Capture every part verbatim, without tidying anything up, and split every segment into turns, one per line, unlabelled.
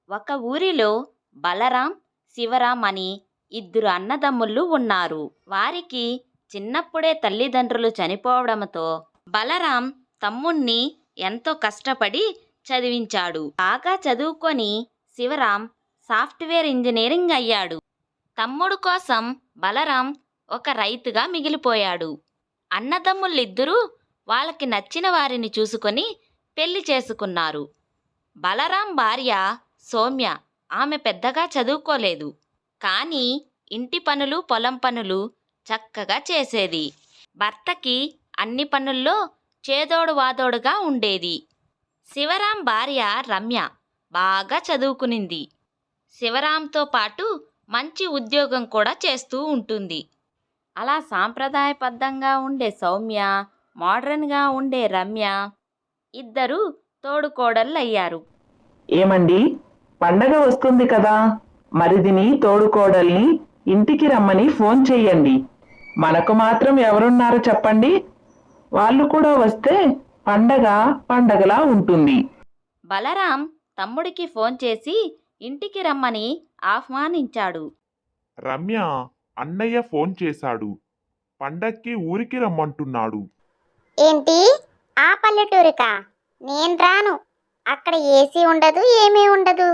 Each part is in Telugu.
ఒక ఊరిలో బలరాం, శివరాం అని ఇద్దరు అన్నదమ్ముళ్ళు ఉన్నారు. వారికి చిన్నప్పుడే తల్లిదండ్రులు చనిపోవడంతో బలరాం తమ్ముణ్ణి ఎంతో కష్టపడి చదివించాడు. బాగా చదువుకొని శివరాం సాఫ్ట్వేర్ ఇంజనీరింగ్ అయ్యాడు. తమ్ముడు కోసం బలరాం ఒక రైతుగా మిగిలిపోయాడు. అన్నదమ్ములిద్దరూ వాళ్ళకి నచ్చిన వారిని చూసుకొని పెళ్లి చేసుకున్నారు. బలరాం భార్య సౌమ్య. ఆమె పెద్దగా చదువుకోలేదు, కానీ ఇంటి పనులు, పొలం పనులు చక్కగా చేసేది. భర్తకి అన్ని పనుల్లో చేదోడు వాదోడుగా ఉండేది. శివరాం భార్య రమ్య బాగా చదువుకునింది. శివరాంతో పాటు మంచి ఉద్యోగం కూడా చేస్తూ ఉంటుంది. అలా సాంప్రదాయబద్ధంగా ఉండే సౌమ్య, మోడ్రన్గా ఉండే రమ్య ఇద్దరు తోడుకోడళ్ళయ్యారు.
ఏమండి, పండగ వస్తుంది కదా, మరిదిని తోడుకోడల్ని ఇంటికి రమ్మని ఫోన్ చెయ్యండి. మనకు మాత్రం ఎవరున్నారు చెప్పండి? వాళ్ళు కూడా వస్తే పండగ పండగలా ఉంటుంది.
బలరాం తమ్ముడికి ఫోన్ చేసి ఇంటికి రమ్మని ఆహ్వానించాడు.
రమ్య, అన్నయ్య ఫోన్ చేశాడు. పండక్కి ఊరికి రమ్మంటున్నాడు.
ఏంటి? ఆ పల్లెటూరికా? నేను రాను. అక్కడ ఏసీ ఉండదు, ఏమీ ఉండదు.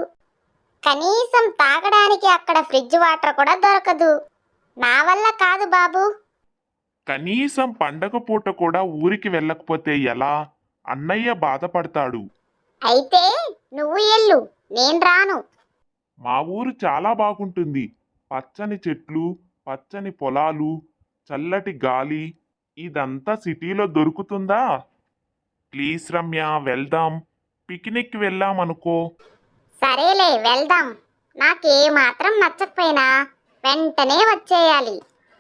కనీసం తాగడానికి అక్కడ ఫ్రిడ్జ్ వాటర్ కూడా దొరకదు. నా వల్ల కాదు బాబు.
కనీసం పండగ పూట కూడా ఊరికి వెళ్ళకపోతే ఎలా? అన్నయ్య బాధపడతాడు.
అయితే నువ్వు ఎల్లు, నేను రాను.
మా ఊరు చాలా బాగుంటుంది. పచ్చని చెట్లు, పచ్చని పొలాలు, చల్లటి గాలి. ఇదంతా సిటీలో దొరుకుతుందా? ప్లీజ్ రమ్య, వెళ్దాం. పిక్నిక్ వెళ్ళామనుకో.
సరేలే, వెళ్దాం. నాకే మాత్రం నచ్చకపోయినా వెంటనే వచ్చేయాలి.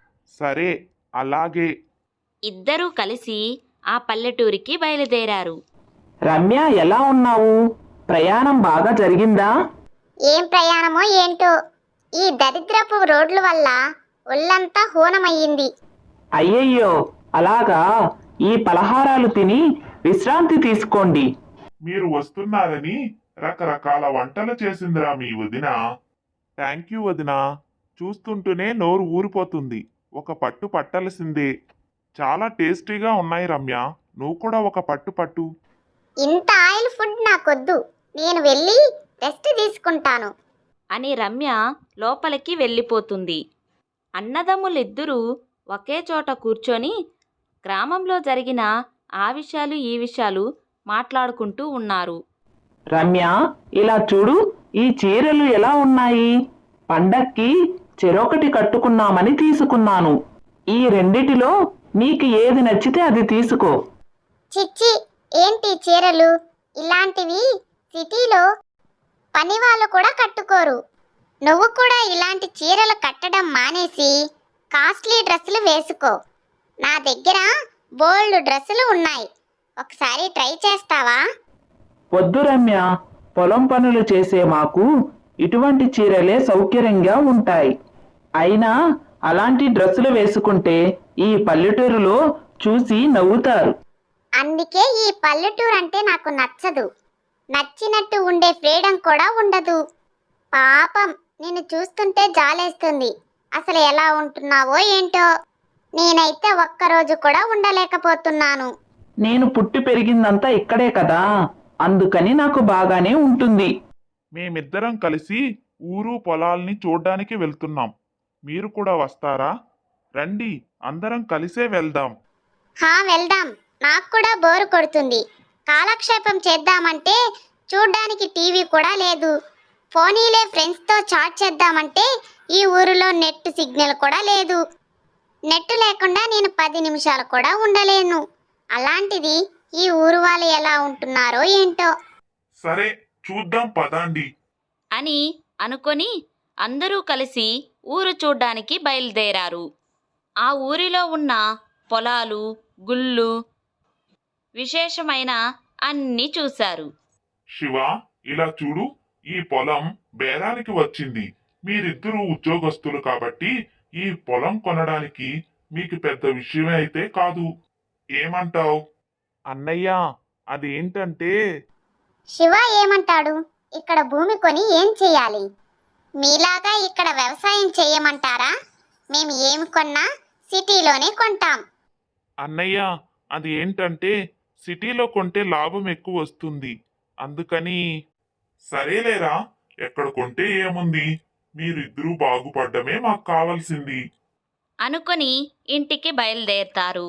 సరే, అలాగే.
ఇద్దరూ కలిసి ఆ పల్లెటూరికి బయలుదేరారు.
రమ్య, ఎలా ఉన్నావు? ప్రయాణం బాగా జరిగిందా?
ఏం ప్రయాణమో ఏంటో, ఈ దరిద్రపు రోడ్ల వల్ల ఒళ్ళంతా హూనమయ్యింది.
అయ్యయ్యో, అలాగా? ఈ పలహారాలు తిని విశ్రాంతి తీసుకోండి.
మీరు వస్తున్నారని రకరకాల వంటలు చేసిందిరా మీ వదిన. థ్యాంక్ యూ వదిన. చూస్తుంటూనే నోరు ఊరిపోతుంది. ఒక పట్టు పట్టాల్సిందే. చాలా టేస్టీగా ఉన్నాయి రమ్య. నువ్వు కూడా ఒక పట్టు పట్టు.
ఇంత ఆయిల్ ఫుడ్ నాకొద్దు. నేను వెళ్ళి రెస్ట్ తీసుకుంటాను
అని రమ్య లోపలికి వెళ్ళిపోతుంది. అన్నదమ్ములిద్దరూ ఒకే చోట కూర్చొని గ్రామంలో జరిగిన ఆ విషయాలు ఈ విషయాలు మాట్లాడుకుంటూ ఉన్నారు.
రమ్య, ఇలా చూడు, ఈ చీరలు ఎలా ఉన్నాయి? పండక్కి చెరొకటి కట్టుకున్నామని తీసుకున్నాను. ఈ రెండిటిలో నీకు ఏది నచ్చితే అది తీసుకో.
చిచ్చి, ఏంటి చీరలు? ఇలాంటివి సిటీలో పని వాళ్ళు కూడా కట్టుకోరు. నువ్వు కూడా ఇలాంటి చీరలు కట్టడం మానేసి కాస్ట్లీ డ్రెస్సులు వేసుకో. నా దగ్గర బోల్డ్ డ్రెస్సులు ఉన్నాయి. ఒకసారి ట్రై చేస్తావా?
వద్దు రమ్య, పొలం పనులు చేసే మాకు ఇటువంటి చీరలే సౌకర్యంగా ఉంటాయి. అయినా అలాంటి డ్రెస్సులు వేసుకుంటే ఈ పల్లెటూరులో చూసి నవ్వుతారు.
అందుకే ఈ పల్లెటూరు అంటే నాకు నచ్చదు. నచ్చినట్టు ఉండే ఫ్రీడమ్ కూడా ఉండదు. పాపం, నిన్ను చూస్తుంటే జాలేస్తుంది. అసలు ఎలా ఉంటున్నావో ఏంటో. నేనైతే ఒక్కరోజు కూడా ఉండలేకపోతున్నాను.
నేను పుట్టి పెరిగిందంతా ఇక్కడే కదా, అందుకని నాకు బాగానే ఉంటుంది.
మేమిద్దరం కలిసి ఊరు పొలాల్ని చూడ్డానికి వెళ్తున్నాం. మీరు కూడా వస్తారా? రండి, అందరం కలిసే వెళ్దాం.
హా, వెళ్దాం. నాకు కూడా బోరు కొడుతుంది. కాలక్షేపం చేద్దామంటే చూడ్డానికి టీవీ కూడా లేదు. ఫోనీలే ఫ్రెండ్స్తో చాట్ చేద్దామంటే ఈ ఊరిలో నెట్ సిగ్నల్ కూడా లేదు. నెట్ లేకుండా నేను పది నిమిషాలు కూడా ఉండలేను. అలాంటిది ఈ ఊరు వాళ్ళు ఎలా ఉంటున్నారో ఏంటో.
సరే, చూద్దాం పదండి
అని అనుకొని అందరూ కలిసి ఊరు చూడ్డానికి బయలుదేరారు. ఆ ఊరిలో ఉన్న పొలాలు, గుళ్ళు, విశేషమైన అన్నీ చూశారు.
శివ, ఇలా చూడు, ఈ పొలం బేరానికి వచ్చింది. మీరిద్దరూ ఉద్యోగస్తులు కాబట్టి ఈ పొలం కొనడానికి మీకు పెద్ద విషయమే అయితే కాదు. ఏమంటావ్? అన్నయ్య, అదేంటంటే
శివ ఏమంటాడు? ఇక్కడ భూమి కొని ఏం చేయాలి? మీలాగా ఇక్కడ వ్యవసాయం చేయమంటారా? మేము ఏమి కొన్నా సిటీలోనే కొంటాం.
అన్నయ్య, అది ఏంటంటే సిటీలో కొంటే లాభం ఎక్కువ వస్తుంది, అందుకని. సరేలేరా, ఎక్కడ కొంటే ఏముంది, మీరిద్దరూ బాగుపడ్డమే మాకు కావాల్సింది
అనుకొని ఇంటికి బయలుదేరతారు.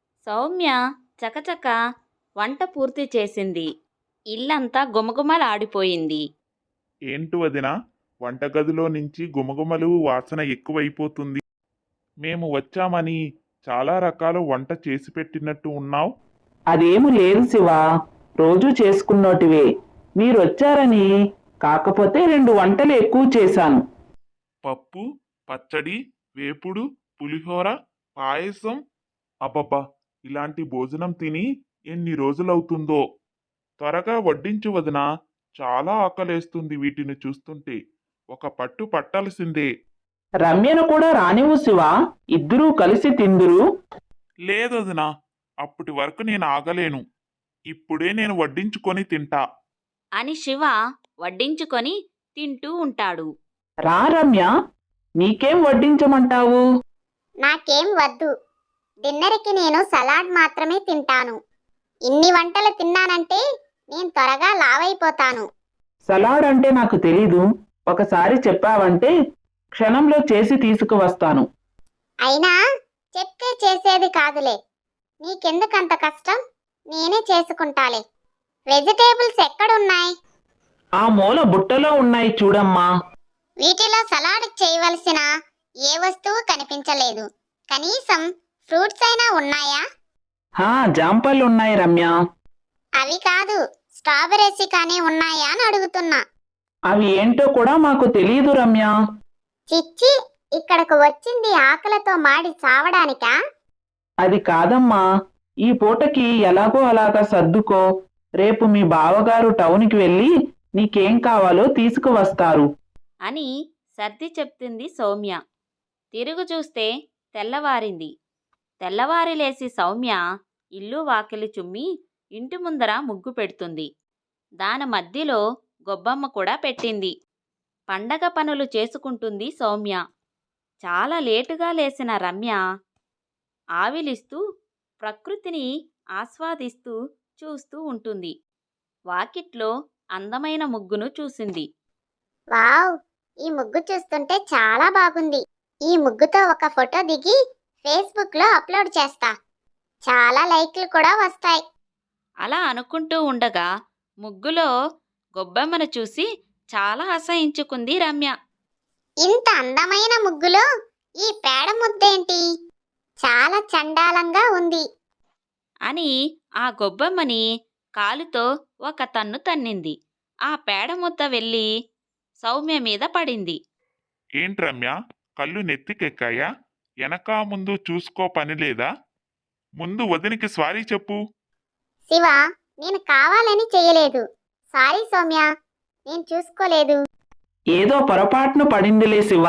సౌమ్య చకచక వంట పూర్తి చేసింది. ఇల్లంతా గుమగుమలాడిపోయింది.
ఏంటి వదినా, వంటగదిలో నుంచి గుమగుమలు వాసన ఎక్కువైపోతుంది. మేము వచ్చామని చాలా రకాల వంట చేసి పెట్టినట్టు ఉన్నావు.
అదేమి లేదు శివ, రోజు చేసుకున్నోటివే. మీరొచ్చారని కాకపోతే రెండు వంటలు ఎక్కువ చేశాను.
పప్పు, పచ్చడి, వేపుడు, పులిహోర, పాయసం. అబ్బబ్బా, ఇలాంటి భోజనం తిని ఎన్ని రోజులవుతుందో. త్వరగా వడ్డించు వదినా, చాలా ఆకలేస్తుంది వీటిని చూస్తుంటే. ఒక పట్టు పట్టాల్సిందే.
రమ్యను కూడా రానివ్వు శివ, ఇద్దరూ కలిసి తిందురు.
లేదు వదినా, అప్పటి వరకు నేను ఆగలేను. ఇప్పుడే నేను వడ్డించుకొని తింటా.
అని శివ వడ్డించుకొని తింటూ ఉంటాడు.
రా రమ్య, నీకేం వడ్డించమంటావు?
నాకేం వద్దు. డిన్నర్కి నేను సలాడ్ మాత్రమే తింటాను. ఇన్ని వంటలు తిన్నానంటే నేను త్వరగా లావైపోతాను.
సలాడ్ అంటే నాకు తెలీదు. ఒకసారి చెప్పావంటే క్షణంలో చేసి తీసుకువస్తాను.
అయినా చెప్తే చేసేది కాదులే. నీకెందుకంత కష్టం? నేనే చేసుకుంటాలే. వెజిటేబుల్స్ ఎక్కడున్నాయి?
ఆ మూల బుట్టలో ఉన్నాయి చూడమ్మా.
వీటిలో సలాడ్ చేయవలసిన ఏ వస్తువు కనిపించలేదు. కనీసం ఫ్రూట్స్ అయినా ఉన్నాయా?
హా, జాంపళ్ళున్నాయి రమ్య.
అవి కాదు, స్ట్రాబెర్రీస్ కానీ ఉన్నాయా అని అడుగుతున్నా.
అవి ఏంటో కూడా మాకు తెలియదు రమ్య.
చిచ్చి, ఇక్కడకు వచ్చింది ఆకలితో మాడి చావడానికా?
అది కాదమ్మా, ఈ పూటకి ఎలాగో అలాగా సర్దుకో. రేపు మీ బావగారు టౌన్కి వెళ్ళి నీకేం కావాలో తీసుకువస్తారు
అని సర్ది చెప్తుంది సౌమ్య. తిరుగు చూస్తే తెల్లవారింది. తెల్లవారి లేసి సౌమ్య ఇల్లు వాకిలి చుమ్మి ఇంటి ముందర ముగ్గు పెడుతుంది. దాని మధ్యలో గొబ్బమ్మ కూడా పెట్టింది. పండగ పనులు చేసుకుంటుంది సౌమ్య. చాలా లేటుగా లేచిన రమ్య ఆవిలిస్తూ ప్రకృతిని ఆస్వాదిస్తూ చూస్తూ ఉంటుంది. వాకిట్లో అందమైన ముగ్గును చూసింది.
వావ్, ఈ ముగ్గు చూస్తుంటే చాలా బాగుంది. ఈ ముగ్గుతో ఒక ఫోటో దిగి ఫేస్బుక్ లో అప్లోడ్ చేస్తా. చాలా లైక్లు కూడా వస్తాయి.
అలా అనుకుంటూ ఉండగా ముగ్గులో గొబ్బమ్మను చూసి చాలా అసహించుకుంది రమ్య.
ఇంత అందమైన ముగ్గులో ఈ పేడ ముద్దేంటి? చాలా చండాలంగా ఉంది
అని ఆ గొబ్బమ్మని కాలుతో ఒక తన్ను తన్నింది. ఆ పేడ ముద్ద వెళ్ళి సౌమ్య మీద పడింది.
ఏంటి రమ్య, కళ్ళు నెత్తికెక్కాయా? వెనక ముందు చూసుకో పని లేదా? ముందు వదినికి స్వారీ చెప్పు.
శివ, నేను కావాలని చేయలేదు. సారీ సౌమ్య, నేను చూసుకోలేదు.
ఏదో పొరపాటును పడిందిలే శివ.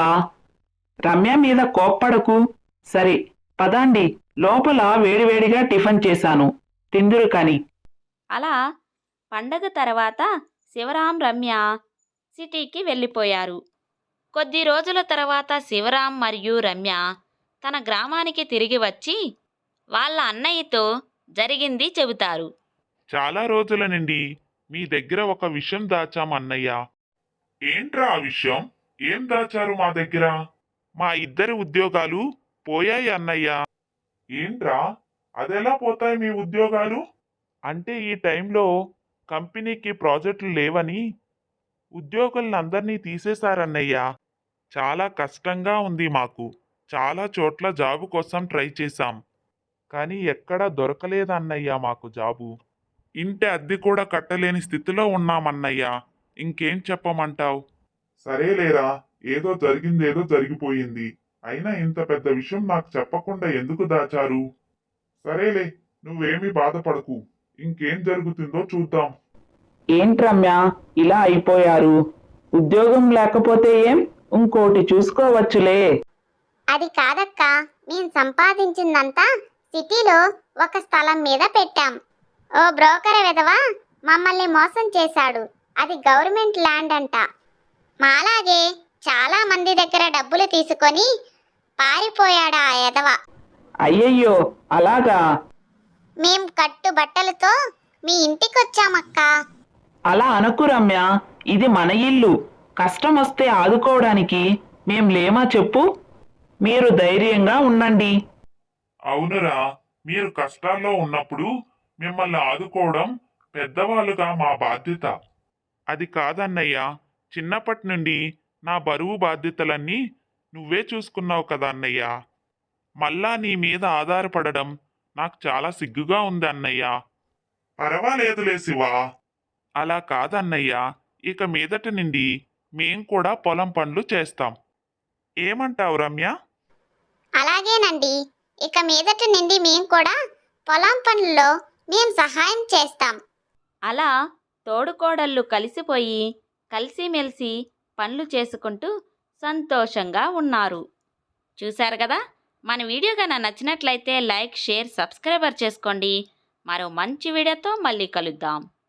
రమ్య మీద కోప్పడకు. సరే పదండి, లోపల వేడివేడిగా టిఫిన్ చేశాను, తిందురు కాని.
అలా పండగ తర్వాత శివరాం రమ్య సిటీకి వెళ్ళిపోయారు. కొద్ది రోజుల తర్వాత శివరాం మరియు రమ్య తన గ్రామానికి తిరిగి వచ్చి వాళ్ళ అన్నయ్యతో జరిగింది చెబుతారు.
చాలా రోజుల నుండి మీ దగ్గర ఒక విషయం దాచాం అన్నయ్య. ఏంట్రా ఆ విషయం? ఏం దాచారు మా దగ్గర? మా ఇద్దరి ఉద్యోగాలు పోయాయి అన్నయ్య. ఏంట్రా, అదెలా పోతాయి మీ ఉద్యోగాలు? అంటే ఈ టైంలో కంపెనీకి ప్రాజెక్టులు లేవని ఉద్యోగులందరినీ తీసేశారన్నయ్య. చాలా కష్టంగా ఉంది మాకు. చాలా చోట్ల జాబు కోసం ట్రై చేశాం, కానీ ఎక్కడా దొరకలేదన్నయ్య మాకు జాబు. ఇంటి అద్దె కూడా కట్టలేని స్థితిలో ఉన్నామన్నయ్య. ఇంకేం చెప్పమంటావు? సరేలేరా, ఏదో జరిగిందేదో జరిగిపోయింది. అయినా ఇంత పెద్ద విషయం నాకు చెప్పకుండా ఎందుకు దాచారు? సరేలే, నువ్వేమీ బాధపడకు. ఇంకేం జరుగుతుందో చూద్దాం.
ఏంటి రమ్య, ఇలా అయిపోయారు? ఉద్యోగం లేకపోతే ఏం, ఇంకోటి చూసుకోవచ్చులే.
అది కాదక్క, మేము సంపాదించిందంతా సిటీలో ఒక స్థలం మీద పెట్టాం. ఓ బ్రోకర్ విధవ మమ్మల్ని మోసం చేశాడు. అది గవర్నమెంట్ ల్యాండ్ అంట. మాలాగే చాలా మంది దగ్గర డబ్బులు తీసుకొని పారిపోయాడు ఆ ఎదవ.
అయ్యయ్యో అలాగా?
మేం కట్టు బట్టలతో మీ ఇంటికొచ్చామక్కా.
అలా అనకు రమ్య, ఇది మన ఇల్లు. కష్టం వస్తే ఆదుకోవడానికి మేం లేమా చెప్పు? మీరు ధైర్యంగా ఉండండి.
అవునురా, మీరు కష్టాల్లో ఉన్నప్పుడు మిమ్మల్ని ఆదుకోవడం పెద్దవాళ్ళుగా మా బాధ్యత. అది కాదన్నయ్య, చిన్నప్పటి నుండి నా బరువు బాధ్యతలన్నీ నువ్వే చూసుకున్నావు కదా అన్నయ్య. మళ్ళా నీ మీద ఆధారపడడం నాకు చాలా సిగ్గుగా ఉంది అన్నయ్య. పర్వాలేదులే శివా. అలా కాదన్నయ్య, ఇక మీదట నుండి మేం కూడా పొలం పనులు చేస్తాం. ఏమంటావు రమ్య?
అలాగేనండి, ఇక మీదట నుండి మేం కూడా పొలం పనుల్లో మేం సహాయం చేస్తాం.
అలా తోడుకోడళ్ళు కలిసిపోయి కలిసిమెలిసి పనులు చేసుకుంటూ సంతోషంగా ఉన్నారు. చూశారు కదా, మన వీడియో కన్నా నచ్చినట్లయితే లైక్, షేర్, సబ్స్క్రైబర్ చేసుకోండి. మరో మంచి వీడియోతో మళ్ళీ కలుద్దాం.